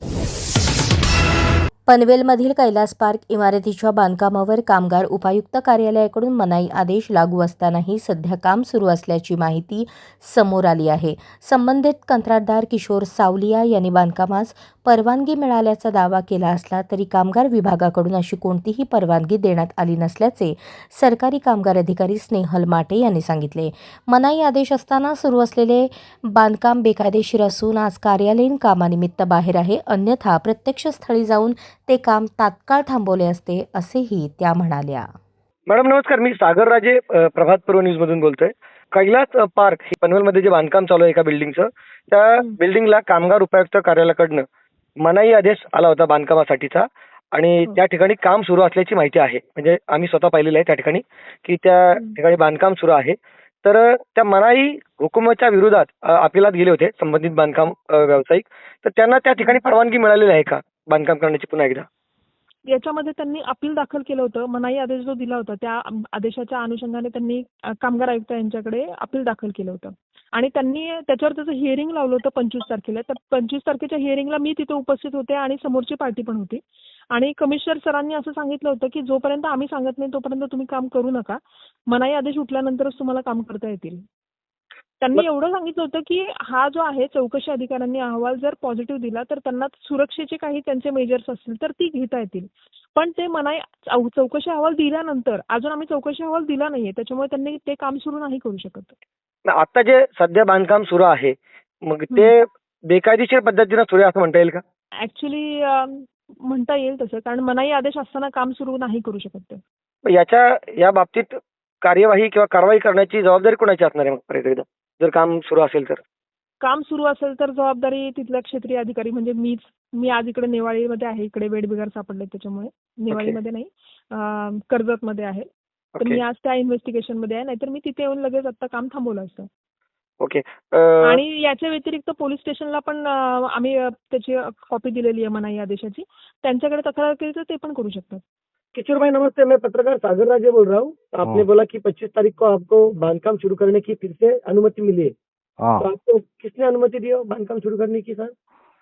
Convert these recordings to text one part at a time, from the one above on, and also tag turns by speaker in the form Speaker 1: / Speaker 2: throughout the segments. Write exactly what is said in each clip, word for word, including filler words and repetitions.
Speaker 1: पनवेलमधील Kailas park इमारतीच्या बांधकामावर कामगार उपायुक्त कार्यालयाकडून मनाई आदेश लागू असतानाही सध्या काम सुरू असल्याची माहिती समोर आली आहे. संबंधित कंत्राटदार किशोर सावलिया यांनी बांधकामास परवानगी मिळाल्याचा दावा केला असला तरी कामगार विभागाकडून अशी कोणतीही परवानगी देण्यात आली नसल्याचे सरकारी कामगार अधिकारी स्नेहल माटे यांनी सांगितले. मनाई आदेश असताना सुरू असलेले बांधकाम बेकायदेशीर असून आज कार्यालयीन कामानिमित्त बाहेर आहे, अन्यथा प्रत्यक्ष स्थळी जाऊन ते काम तात्काळ थांबवले असते, असेही त्या म्हणाल्या.
Speaker 2: मॅडम नमस्कार, मी सागर राजे अ, प्रभात पर्व न्यूज मधून बोलतोय. कैलास अ, पार्क हे पनवेलमध्ये जे बांधकाम चालू आहे एका बिल्डिंगचं, त्या बिल्डिंगला कामगार उपायुक्त कार्यालयाकडनं मनाई आदेश आला होता बांधकामासाठीचा आणि त्या ठिकाणी काम सुरू असल्याची माहिती आहे. म्हणजे आम्ही स्वतः पाहिलेलं आहे त्या ठिकाणी की त्या ठिकाणी बांधकाम सुरू आहे. तर अ, त्या मनाई हुकुमाच्या विरोधात अ, अपिलात गेले होते संबंधित बांधकाम अ, व्यावसायिक. तर त्यांना त्या ठिकाणी परवानगी मिळालेली आहे का बांधकाम करण्याची पुन्हा एकदा?
Speaker 3: याच्यामध्ये त्यांनी अपील दाखल केलं होतं. मनाई आदेश जो दिला होता त्या आदेशाच्या अनुषंगाने त्यांनी अ, कामगार आयुक्त यांच्याकडे अपील दाखल केलं होतं आणि त्यांनी त्याच्यावर त्याचं हिअरिंग लावलं होतं पंचवीस तारखेला. तर पंचवीस तारखेच्या हिअरिंगला मी तिथे उपस्थित होते आणि समोरची पार्टी पण होती आणि कमिशनर सरांनी असं सांगितलं होतं की जोपर्यंत आम्ही सांगत नाही तोपर्यंत तुम्ही काम करू नका. मनाई आदेश उठल्यानंतरच तुम्हाला काम करता येतील. त्यांनी एवढं सांगितलं होतं की हा जो आहे चौकशी अधिकाऱ्यांनी अहवाल जर पॉझिटिव्ह दिला तर त्यांना सुरक्षेचे काही त्यांचे मेजर्स असतील तर ती घेता येतील. पण ते मनाई चौ- चौकशी अहवाल दिल्यानंतर अजून आम्ही चौकशी अहवाल दिला नाहीये, त्याच्यामुळे त्यांनी ते काम सुरू नाही करू शकत.
Speaker 2: आता जे सध्या बांधकाम सुरू आहे मग ते बेकायदेशीर पद्धतीने सुरू आहे असं म्हणता येईल का?
Speaker 3: ऍक्च्युली म्हणता येईल तसं, कारण मनाई आदेश असताना काम सुरू नाही करू शकत ते.
Speaker 2: मग याच्या या बाबतीत कार्यवाही किंवा कारवाई करण्याची जबाबदारी कोणाची असणार आहे मग परत एकदा जर काम सुरू असेल तर?
Speaker 3: काम सुरू असेल तर जबाबदारी तिथल्या क्षेत्रीय अधिकारी म्हणजे मीच. मी आज इकडे नेवाळीमध्ये आहे, इकडे वेडबिगार सापडले त्याच्यामुळे. नेवाळीमध्ये नाही, अं, कर्जतमध्ये आहे. तर
Speaker 2: ओके
Speaker 3: मी आज त्या इन्व्हेस्टिगेशन मध्ये आहे, नाहीतर मी तिथे येऊन लगेच आता काम थांबवलं असतं.
Speaker 2: ओके.
Speaker 3: आणि याच्या व्यतिरिक्त पोलीस स्टेशनला पण अं, आम्ही अं, त्याची कॉपी दिलेली आहे मनाई आदेशाची. त्यांच्याकडे तक्रार केली तर ते पण करू शकतात.
Speaker 2: किशोर भाई नमस्ते, मैं पत्रकार सागर राजे बोल रहा हूँ. आपने
Speaker 4: हाँ।
Speaker 2: बोला कि पच्चीस तारीख को आपको बांधकाम शुरू करने की फिर से अनुमति मिली है.
Speaker 4: हाँ
Speaker 2: तो आपको किसने अनुमति दी हो बांधकाम शुरू करने की सर?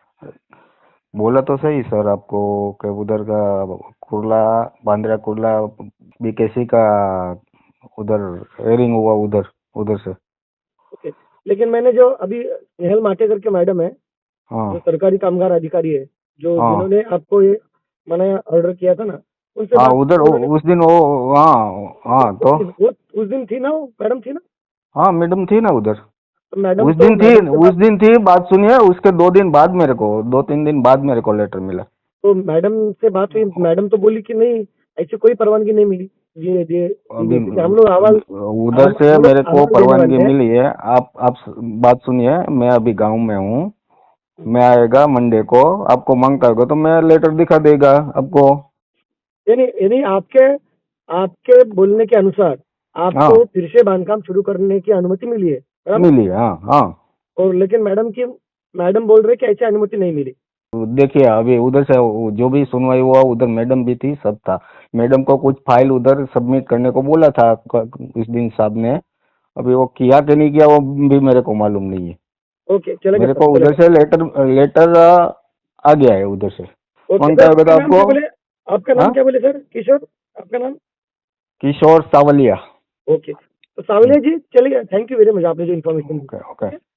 Speaker 4: बोला तो सही सर आपको कि उधर का कुर्ला बांद्रा कुर्ला बीकेसी का उधर हेयरिंग हुआ उधर उधर से.
Speaker 2: ओके. लेकिन मैंने जो अभी स्नेहल माटे करके मैडम है
Speaker 4: हाँ
Speaker 2: जो सरकारी कामगार अधिकारी है जो
Speaker 4: हाँ
Speaker 2: जिन्होंने आपको ये मना ऑर्डर किया था ना उनसे
Speaker 4: हाँ
Speaker 2: बात-
Speaker 4: उधर
Speaker 2: उन्होंने-
Speaker 4: उ- उस दिन वो हाँ हाँ तो
Speaker 2: वो उस दिन थी ना, वो मैडम थी ना?
Speaker 4: हाँ मैडम थी ना उधर.
Speaker 2: तो मैडम
Speaker 4: उस
Speaker 2: तो-
Speaker 4: दिन थी
Speaker 2: मैडम से
Speaker 4: उस
Speaker 2: बात-
Speaker 4: दिन थी बात सुनिए. उसके दो दिन बाद मेरे को दो तीन दिन बाद मेरे को लेटर मिला.
Speaker 2: तो मैडम से बात हुई, मैडम तो बोली कि नहीं ऐसी कोई परवानगी नहीं मिली. ये ये
Speaker 4: अभी
Speaker 2: हम लोग आवाज
Speaker 4: उधर से
Speaker 2: हम लोग
Speaker 4: मेरे को
Speaker 2: आवाज देने
Speaker 4: परवानगी
Speaker 2: वाले हैं.
Speaker 4: मिली है. आप आप बात सुनिए. मैं अभी गांव में हूँ. मैं आएगा मंडे को. आपको मांग करेगा तो मैं लेटर दिखा देगा आपको.
Speaker 2: यानी यानी आपके आपके बोलने के अनुसार आपको
Speaker 4: हाँ.
Speaker 2: फिर से बांधकाम शुरू करने की अनुमति मिली है बराबर?
Speaker 4: मिली है, हाँ हाँ.
Speaker 2: और लेकिन मैडम की मैडम बोल रहे कि ऐसी अनुमति नहीं मिली.
Speaker 4: देखिए अभी उधर से जो भी सुनवाई हुआ उधर मैडम भी थी, सब था. मैडम को कुछ फाइल उधर सबमिट करने को बोला था इस दिन साहब ने. अभी वो किया कि नहीं किया वो भी मेरे को मालूम नहीं है.
Speaker 2: ओके चलेगा
Speaker 4: मेरे
Speaker 2: सर,
Speaker 4: को उधर
Speaker 2: चलेगा.
Speaker 4: से लेटर लेटर आ गया है उधर से.
Speaker 2: ओके,
Speaker 4: कौन
Speaker 2: सर,
Speaker 4: करेगा तो
Speaker 2: आपका नाम क्या
Speaker 4: आपको?
Speaker 2: बोले? आपका नाम
Speaker 4: हाँ?
Speaker 2: क्या बोले सर? किशोर, आपका नाम?
Speaker 4: किशोर सावलिया.
Speaker 2: ओके. तो सावलिया जी चलिए, थैंक यू वेरी मच आपने जो इन्फॉर्मेशन दी.
Speaker 4: Okay okay.